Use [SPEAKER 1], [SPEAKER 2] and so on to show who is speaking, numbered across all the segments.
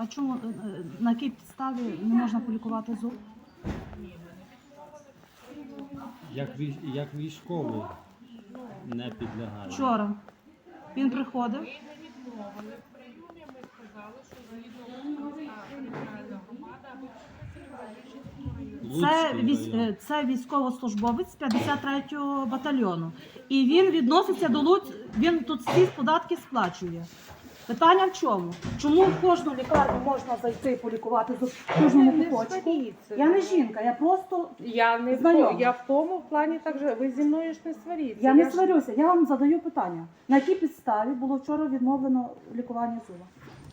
[SPEAKER 1] а чому, на якій підставі не можна полікувати зуб?
[SPEAKER 2] Як військовий не підлягає.
[SPEAKER 1] Вчора він приходив.
[SPEAKER 3] Ми не відмовили в прийомі, ми сказали, що згідно територіальна громада або
[SPEAKER 1] Це військовослужбовець 53-го батальйону. І він відноситься до Луцька, він тут всі податки сплачує. Питання в чому? Чому в кожну лікарню можна зайти полікувати зуб в кожному куточку? Я не жінка, я просто знайома.
[SPEAKER 3] Я в тому плані так же, ви зі мною ж не сваріться.
[SPEAKER 1] Я не сварюся, я вам задаю питання. На якій підставі було вчора відновлено лікування зуба?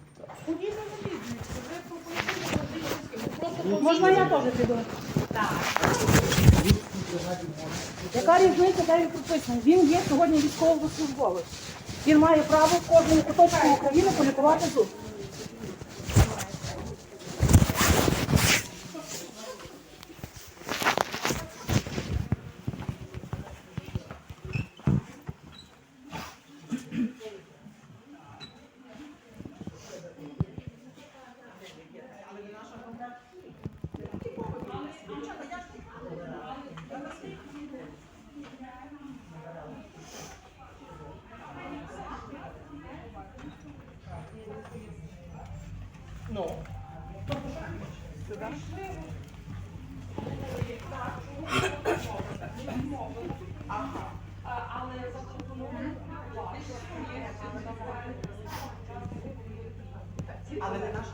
[SPEAKER 1] Можна я теж піду? Так. Яка різниця, де він прописаний? Він є сьогодні військовослужбовець. Він має право в кожному куточку України полікувати зуб.
[SPEAKER 4] Ну. Але не наша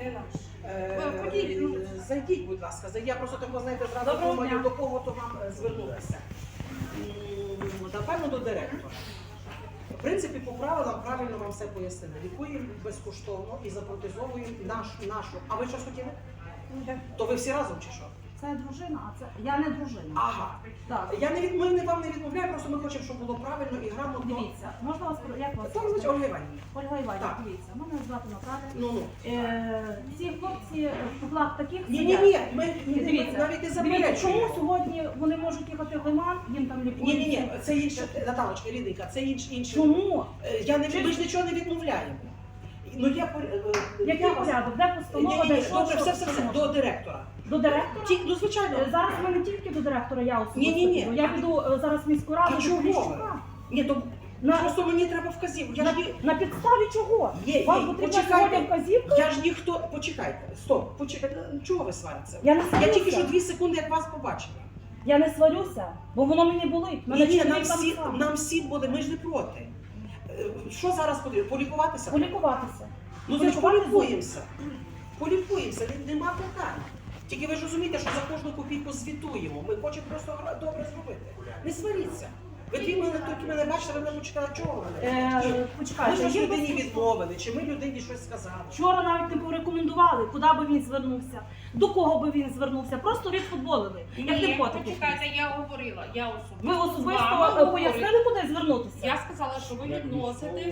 [SPEAKER 4] мова. Зайдіть, будь ласка. Я просто так, знаєте, зразу думаю, до кого то вам звернутися. Напевно, до директора. В принципі, по правилам правильно вам все пояснили. Лікуємо безкоштовно і запротезовуємо нашу. А ви щось хотіли? То ви всі разом чи що?
[SPEAKER 1] Це дружина, а це я не дружина.
[SPEAKER 4] Ага.
[SPEAKER 1] Так.
[SPEAKER 4] Ми вам не відмовляємо, просто ми хочемо, щоб було правильно і грамотно.
[SPEAKER 1] Дивіться, можна вас, як вас?
[SPEAKER 4] Там звуть Ольга Іванівна.
[SPEAKER 1] Ольга Іванівна,
[SPEAKER 4] Так.
[SPEAKER 1] дивіться, мене звати Наталя.
[SPEAKER 4] Ну.
[SPEAKER 1] Ці хлопці в куплах таких
[SPEAKER 4] Ні, ми
[SPEAKER 1] Дивіться,
[SPEAKER 4] навіть не
[SPEAKER 1] дивіться,
[SPEAKER 4] заперечуємо.
[SPEAKER 1] чому сьогодні вони можуть їхати в Лиман, їм там лікують?
[SPEAKER 4] Ні, це інше, Наталочка, рідненька, це інше.
[SPEAKER 1] Чому?
[SPEAKER 4] Ми ж нічого не відмовляємо. Ну,
[SPEAKER 1] Який порядок? Де постанова?
[SPEAKER 4] Ні,
[SPEAKER 1] де що?
[SPEAKER 4] добре,
[SPEAKER 1] Що?
[SPEAKER 4] все, до директора.
[SPEAKER 1] До директора?
[SPEAKER 4] Ну, звичайно.
[SPEAKER 1] Зараз ми не тільки до директора, я особисто
[SPEAKER 4] Ні.
[SPEAKER 1] піду. Я піду зараз в міську раду
[SPEAKER 4] А
[SPEAKER 1] до
[SPEAKER 4] чого?
[SPEAKER 1] Поліщука.
[SPEAKER 4] Ні, то просто мені треба вказівку.
[SPEAKER 1] На підставі чого? Вам потрібна сьогодні вказівка?
[SPEAKER 4] Я ж ніхто... Почекайте, стоп, почекайте. Чого ви сваритеся?
[SPEAKER 1] Я не
[SPEAKER 4] Я
[SPEAKER 1] сварюся.
[SPEAKER 4] тільки що 2 секунди, як вас побачила.
[SPEAKER 1] Я не сварюся, бо воно мені болить. Мене
[SPEAKER 4] Ні,
[SPEAKER 1] чоловік там сам.
[SPEAKER 4] нам всі буде, ми ж не проти. Що зараз потрібно? Полікуватися?
[SPEAKER 1] Полікуватися.
[SPEAKER 4] Ну, значить, полікуємося. Полікуємося, нема питань. Тільки ви ж розумієте, що за кожну копійку звітуємо. Ми хочемо просто добре зробити. Не сваріться. Ви дві мене бачите, ви мене почекали, чого ви мене?
[SPEAKER 1] Почекайте,
[SPEAKER 4] Ми ж
[SPEAKER 1] є
[SPEAKER 4] людині
[SPEAKER 1] безкоштовно.
[SPEAKER 4] відмовили, чи ми людині щось сказали.
[SPEAKER 1] Вчора навіть не порекомендували, куди би він звернувся, до кого би він звернувся, просто відфутболили. Як
[SPEAKER 5] Ні,
[SPEAKER 1] не потики.
[SPEAKER 5] почекайте, я говорила, я особисто.
[SPEAKER 1] Ви
[SPEAKER 5] з вами
[SPEAKER 1] особисто
[SPEAKER 5] говорила.
[SPEAKER 1] пояснили, куди звернутися?
[SPEAKER 5] Я сказала, що ви відноситесь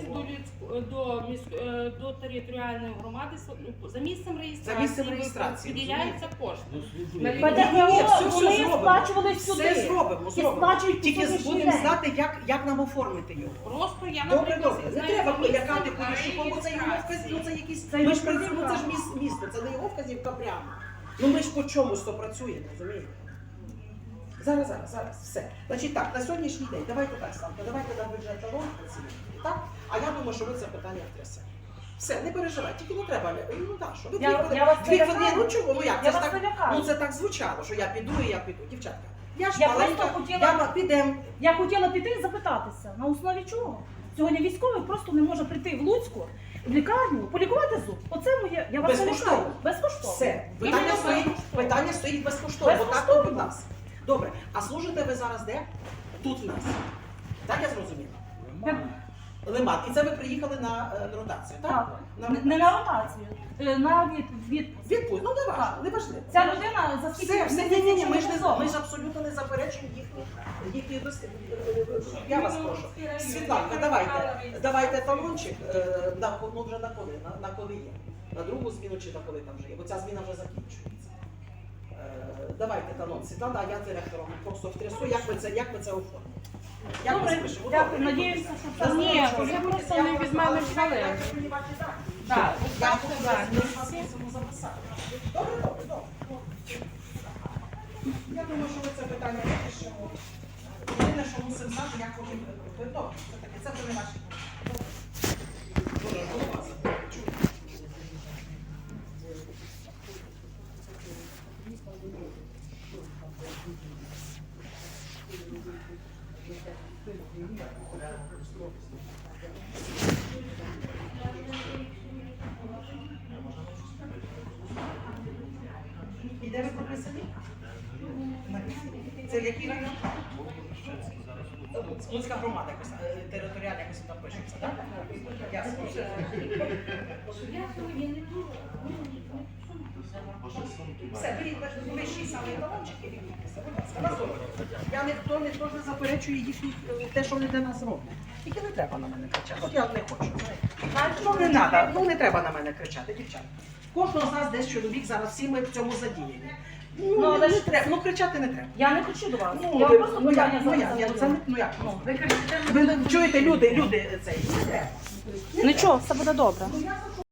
[SPEAKER 5] до територіальної громади за місцем реєстрації. Виділяються кошти.
[SPEAKER 1] Вони сплачували сюди.
[SPEAKER 4] Все зробимо.
[SPEAKER 1] сплачують
[SPEAKER 4] Тільки
[SPEAKER 1] сьогоднішній
[SPEAKER 4] будемо
[SPEAKER 1] день.
[SPEAKER 4] знати, як нам оформити його.
[SPEAKER 5] Просто я,
[SPEAKER 4] Добре,
[SPEAKER 5] наприклад,
[SPEAKER 4] добре. Не
[SPEAKER 5] знаю
[SPEAKER 4] треба
[SPEAKER 5] за
[SPEAKER 4] лякати
[SPEAKER 5] місцем
[SPEAKER 4] Поліщуком, бо це його вказівка, це якісь...
[SPEAKER 1] Це
[SPEAKER 4] Ми ж
[SPEAKER 1] його
[SPEAKER 4] працюємо, це ж
[SPEAKER 1] вказівка.
[SPEAKER 4] місто, це не його вказівка прямо. Ну ми ж по чомусь то працюємо, розумієте? Зараз, все. Значить так, на сьогоднішній день, давайте так, Славка, давайте на бюджет талон працюємо, так? А я думаю, що ви це питання втрясете. Все, не переживайте, тільки не треба, ну так, що ви
[SPEAKER 1] Я вас не лякаю.
[SPEAKER 4] ну чого, ну як,
[SPEAKER 1] Я
[SPEAKER 4] це ж
[SPEAKER 1] вас
[SPEAKER 4] так,
[SPEAKER 1] не лякаю.
[SPEAKER 4] ну це так звучало, що я піду і я піду, дівчатка. Я ж
[SPEAKER 1] Я
[SPEAKER 4] маленька,
[SPEAKER 1] просто хотіла-
[SPEAKER 4] підемо.
[SPEAKER 1] Я хотіла піти і запитатися, на основі чого? Сьогодні військовий просто не може прийти в Луцьку, в лікарню, полікувати зуб. Оце моє, я вас не
[SPEAKER 4] Безкоштовно.
[SPEAKER 1] лякаю. Безкоштовно.
[SPEAKER 4] Все, питання стоїть безкоштовно, бо так то будь нас. Добре, а служите ви зараз де? Тут в нас. Так я зрозуміла? Лиман. І це ви приїхали на ротацію, так?
[SPEAKER 1] Так.
[SPEAKER 4] На
[SPEAKER 1] Не на ротацію, на
[SPEAKER 4] відпустку. Ну не важливо,
[SPEAKER 1] Так.
[SPEAKER 4] не важливо.
[SPEAKER 1] Ця людина за скільки
[SPEAKER 4] Все, ні, ми ж
[SPEAKER 1] місяців
[SPEAKER 4] абсолютно не заперечуємо їхні досліди. Я вас прошу. Світланка, давайте талончик, ну вже на коли є. На другу зміну чи на коли там вже є, бо ця зміна вже закінчується. Давайте талон, Світлана, а я директором просто втрясу, як ви це оформите. Як ми
[SPEAKER 1] Добре,
[SPEAKER 4] спишемо?
[SPEAKER 1] дякую, надіюся, що це
[SPEAKER 5] Ні, ви просто не від мене взяли.
[SPEAKER 4] Я
[SPEAKER 5] Так,
[SPEAKER 4] вам
[SPEAKER 5] так.
[SPEAKER 4] вас мусимо записати. Добре, добре, добре. Я думаю, що ви це питання вирішимо. Єдине, що мусимо знати, як потім робити. Добре, це таке, це вже не ваші. Добре, голова. І де ви прописані? Це який район? Луцька громада, якось територіальна якось там пишеться, так? Ясно. Все, беріть вищий самий талончик і відмітьтеся, будь ласка, на здоров'я. Ніхто не заперечує їхні, те, що вони для нас роблять. Тільки не треба на мене кричати. От я не хочу. Ну не треба, ну не треба на мене кричати, дівчата. Кожного з нас десь чоловік, зараз всі ми в цьому задіяні. Ну,
[SPEAKER 1] але
[SPEAKER 4] не
[SPEAKER 1] ж-
[SPEAKER 4] треба, ну кричати не треба.
[SPEAKER 1] Я не хочу до вас.
[SPEAKER 4] Ну,
[SPEAKER 1] Я
[SPEAKER 4] ви-
[SPEAKER 1] просто
[SPEAKER 4] ну, як,
[SPEAKER 1] питання
[SPEAKER 4] ну, як,
[SPEAKER 1] задаю.
[SPEAKER 4] це не- ну, як? Ви чуєте, люди цей, не треба.
[SPEAKER 1] Нічого, все буде добре.
[SPEAKER 4] Ну, я за що